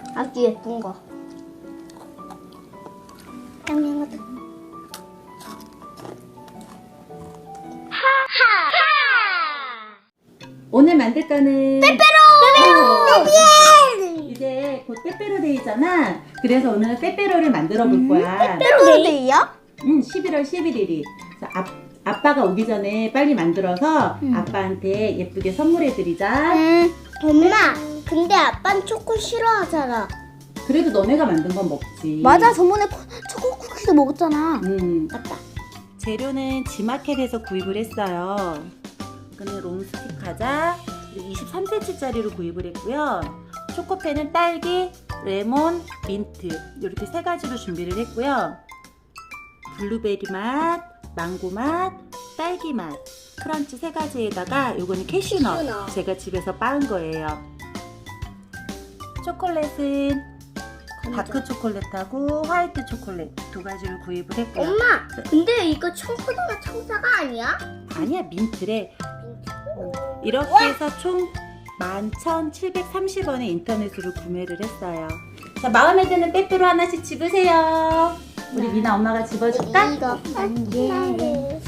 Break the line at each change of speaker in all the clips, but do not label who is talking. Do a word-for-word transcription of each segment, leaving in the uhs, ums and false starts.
아주 예쁜 거. 짱짱하다. 하하하.
오늘 만들 거는
빼빼로. 빼빼로.
이제 곧 빼빼로데이잖아. 그래서 오늘은 빼빼로를 만들어 볼 거야.
빼빼로데이요?
응, 십일월 십일일이. 그래서 아, 아빠가 오기 전에 빨리 만들어서
음.
아빠한테 예쁘게 선물해 드리자.
음, 엄마. 근데 아빠는 초코 싫어하잖아.
그래도 너네가 만든 건 먹지.
맞아, 저번에 코, 초코 쿠키도 먹었잖아.
음.
맞다.
재료는 지마켓에서 구입을 했어요. 이거는 롱스틱 과자 이십삼 센티미터짜리로 구입을 했고요. 초코펜은 딸기, 레몬, 민트 이렇게 세 가지로 준비를 했고요. 블루베리 맛, 망고 맛, 딸기 맛, 크런치 세 가지에다가 요거는 캐슈넛,
캐슈넛.
제가 집에서 빻은 거예요. 초콜릿은 다크 초콜릿하고 화이트 초콜릿 두 가지를 구입을 했고요.
엄마, 근데 이거 청포도가 청사가 아니야?
아니야, 민트래. 이렇게 해서 총 만 천칠백삼십 원에 인터넷으로 구매를 했어요. 자, 마음에 드는 빼빼로 하나씩 집으세요. 우리 미나 엄마가 집어줄까?
이거 예.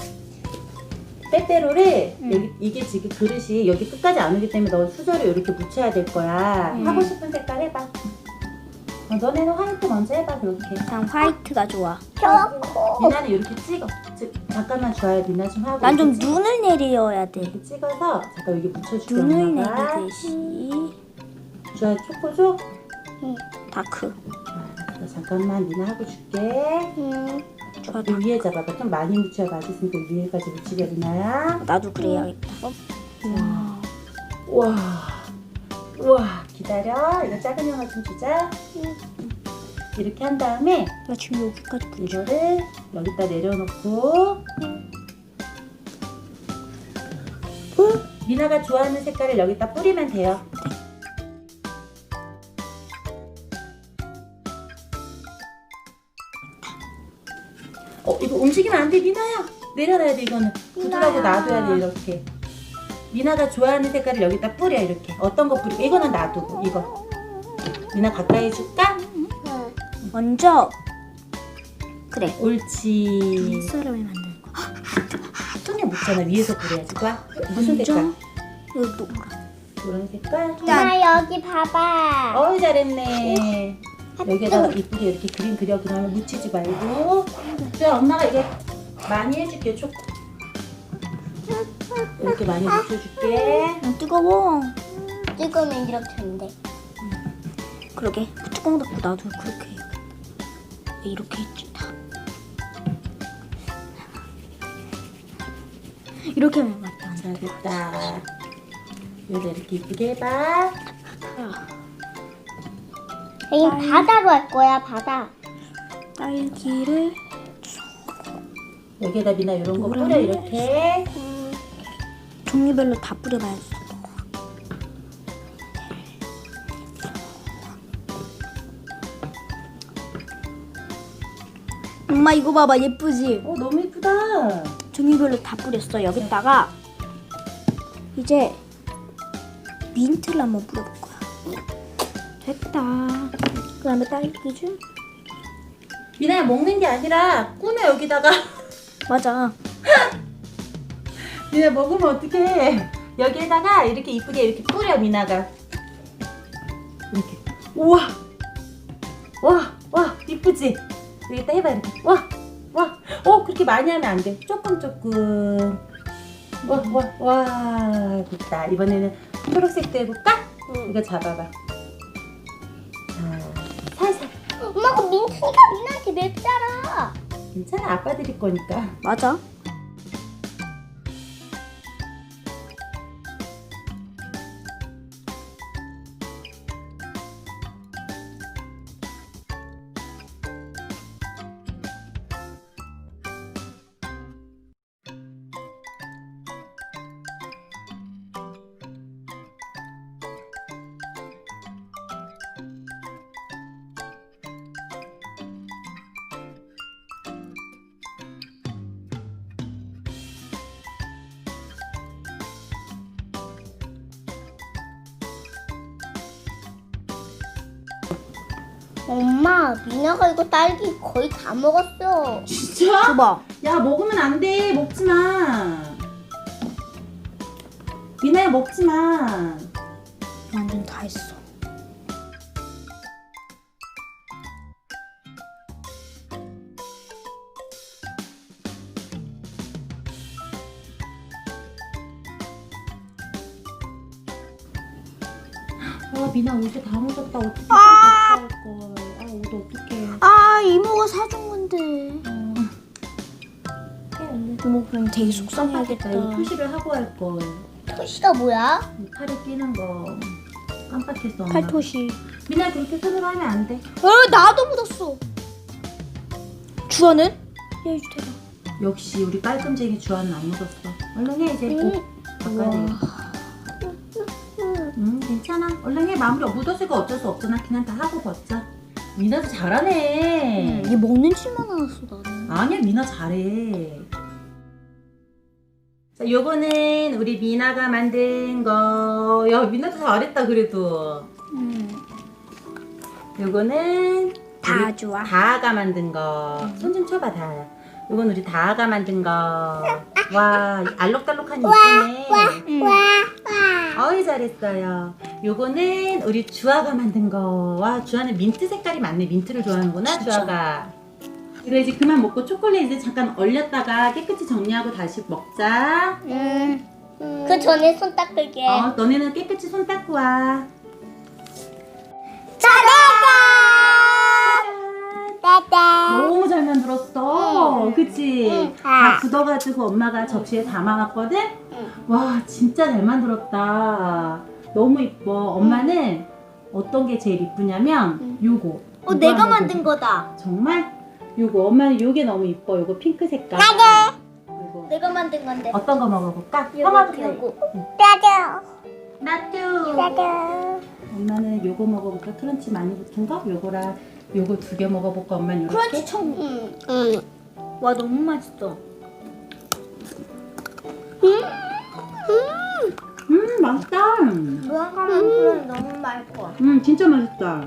빼빼로를
응.
여기, 이게 지금 그릇이 여기 끝까지 안 오기 때문에 너 수저를 이렇게 묻혀야 될 거야.
응.
하고 싶은 색깔 해봐. 어, 너네는 화이트 먼저 해봐. 그렇게.
난 화이트가 좋아.
미나는 이렇게 찍어. 찍, 잠깐만 줘야 미나 좀 하고.
난 좀
이렇게 찍어.
눈을 내려야 돼.
이렇게 찍어서 잠깐 여기 묻혀줄게.
눈을
엄마가.
내리듯이.
주아 초코 줘?
응. 다크.
아, 나 잠깐만 미나 하고 줄게.
응. 좋아.
이 위에 잡아봐. 좀 많이 묻혀야 맛있으니까 위에까지 묻히게 미나야.
나도 그래야겠다. 와.
우와. 우와. 기다려. 이거 작은 형아 좀 주자. 이렇게 한 다음에
나 지금 여기까지 붙여.
이거를 여기다 내려놓고 미나가 좋아하는 색깔을 여기다 뿌리면 돼요. 어, 이거 움직이면 안 돼, 미나야. 내려놔야 돼, 이거는. 부드라고
미나야.
놔둬야 돼, 이렇게. 미나가 좋아하는 색깔을 여기다 뿌려, 이렇게. 어떤 거 뿌리고, 이거는 놔두고, 이거. 미나 가까이 줄까?
먼저 그래.
옳지.
눈사람을 만드는 거.
손에 묻잖아, 위에서 뿌려야지. 봐. 무슨
먼저
색깔?
여기 노란.
노란 색깔?
엄마 여기 봐봐.
어이, 잘했네. 여기에다가 이쁘게 이렇게 그림 그려. 그러면 묻히지 말고. 주야, 엄마가 이게 많이 해줄게, 초코. 이렇게 많이 묻혀줄게.
아, 뜨거워. 뜨거우면 이렇게 하는데. 그러게. 뚜껑 닫고 나도 그렇게 해야겠다. 이렇게 했지 다. 이렇게 하면 맞다.
자, 됐다. 여기다 이렇게 이쁘게 해봐.
여기 바다로 할 거야, 바다. 딸기를
여기에다 미나 이런 거
노란
뿌려, 이렇게.
종류별로 다 뿌려봐야지. 엄마 이거 봐봐, 예쁘지?
어, 너무 이쁘다.
종류별로 다 뿌렸어. 여기다가 이제 민트를 한번 뿌려볼 거야. 됐다. 그 다음에 딸기 좀.
미나야, 먹는 게 아니라 꾸며, 여기다가.
맞아.
미나 먹으면 어떡해. 여기에다가 이렇게 이쁘게 이렇게 뿌려, 미나가. 이렇게. 우와. 와, 와, 이쁘지? 여기다 해봐, 이렇게. 와, 와. 어, 그렇게 많이 하면 안 돼. 조금, 조금. 와, 와, 와. 됐다. 이번에는 초록색도 해볼까?
응.
이거 잡아봐. 자, 살살.
엄마가 민트니까 민한테 맵잖아.
괜찮아, 아빠 드릴 거니까.
맞아. 엄마, 미나가 이거 딸기 거의 다 먹었어.
진짜?
줘봐.
야, 먹으면 안 돼. 먹지 마. 미나야, 먹지 마.
완전 다 했어.
아, 미나 옷에 다 묻었다. 어떻게 아~ 할 걸. 아, 옷 어떡해.
아, 이모가 사준 건데.
어.
이모 그럼 되게
깜빡했다.
속상해야겠다.
이거 표시를 하고 할 걸.
토시가 뭐야?
팔에 끼는 거. 깜빡했어, 엄마.
팔토시.
미나 그렇게 손으로 하면 안 돼.
어, 나도 묻었어. 주아는? 야, 이거 대박.
역시 우리 깔끔쟁이 주아는 안 묻었어. 얼른 해, 이제.
음.
옷 바꿔야 돼. 응, 괜찮아. 얼른 해. 마무리. 묻었으니까 어쩔 수 없잖아. 그냥 다 하고 벗자. 미나도 잘하네.
얘 먹는 칠만 나왔어, 나는.
아니야, 미나 잘해. 자, 요거는 우리 미나가 만든 거. 야, 미나도 잘했다, 그래도.
음.
요거는
다
우리
좋아.
다아가 만든 거. 손 좀 쳐봐, 다아야. 요건 우리 다아가 만든 거. 와, 알록달록하니 이쁘네.
와,
어이, 잘했어요. 요거는 우리 주아가 만든 거. 와, 주아는 민트 색깔이 많네. 민트를 좋아하는구나,
진짜.
주아가. 이거 이제 그만 먹고 초콜릿 이제 잠깐 얼렸다가 깨끗이 정리하고 다시 먹자.
음. 그 전에 손 닦을게.
어, 너네는 깨끗이 손 닦고 와.
따따.
너무 잘 만들었어.
응.
그치?
응.
다 굳어가지고 엄마가 접시에 담아놨거든?
응.
와, 진짜 잘 만들었다. 너무 이뻐. 엄마는 어떤 게 제일 이쁘냐면
응.
요거.
어,
요거
내가
한번
만든 거다.
정말? 요거 엄마는 요게 너무 이뻐. 요거 핑크 색깔.
나도.
요거.
내가 만든 건데.
어떤 거 먹어볼까?
요거,
형아부터.
요거. 나도.
나도.
나도.
엄마는 요거 먹어볼까? 크런치 많이 붙은 거? 요거랑 요거 두 개 먹어볼까? 엄마는 요렇게?
크런치 청. 응. 응. 와, 너무 맛있어.
음, 맛있다.
무화과 만두는 너무 맛있어.
음, 진짜 맛있다.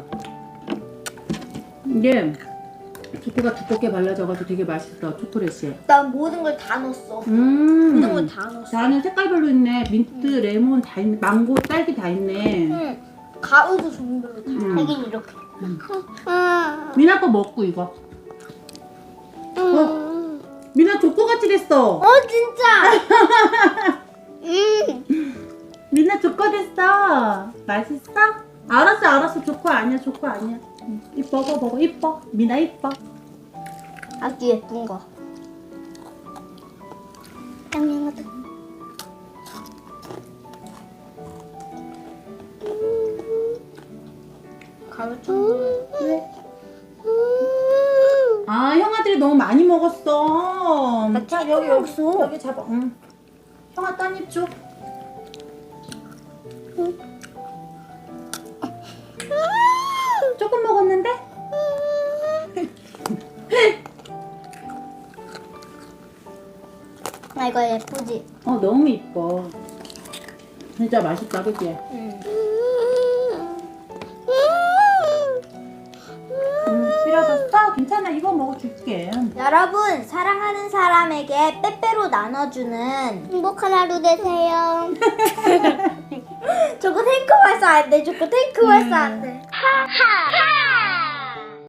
이게 초코가 두껍게 발라져가지고 되게 맛있어, 초콜릿이.
난 모든 걸 다 넣었어.
음.
모든 걸 다 넣었어.
나는 색깔별로 있네. 민트, 레몬 다 있네. 망고, 딸기 다 있네.
응. 가루도 종류별로 다.
음.
하긴 이렇게.
음.
응.
미나 거 먹고 이거.
응.
미나 조코같이 됐어.
어, 진짜. 음.
미나 조코 됐어. 맛있어? 알았어, 알았어. 조코 아니야, 조코 아니야. 응. 이뻐, 먹어, 먹어. 이뻐. 미나 이뻐.
아주 예쁜 거. 양양하다. 가루 좀. 왜?
아, 형아들이 너무 많이 먹었어.
나
자,
튀김
여기, 여기,
먹었어.
여기 잡아. 응. 형아 딴입 줘. 조금 먹었는데?
아, 이거 예쁘지?
어, 너무 이뻐. 진짜 맛있다, 그치?
응.
응, 필요하셨어? 괜찮아, 이거 먹어줄게.
여러분, 사랑하는 사람에게 빼빼로 나눠주는 행복한 하루 되세요. 저거 탱크 발사 안 돼. 저거 탱크 발사 안 돼. 하하.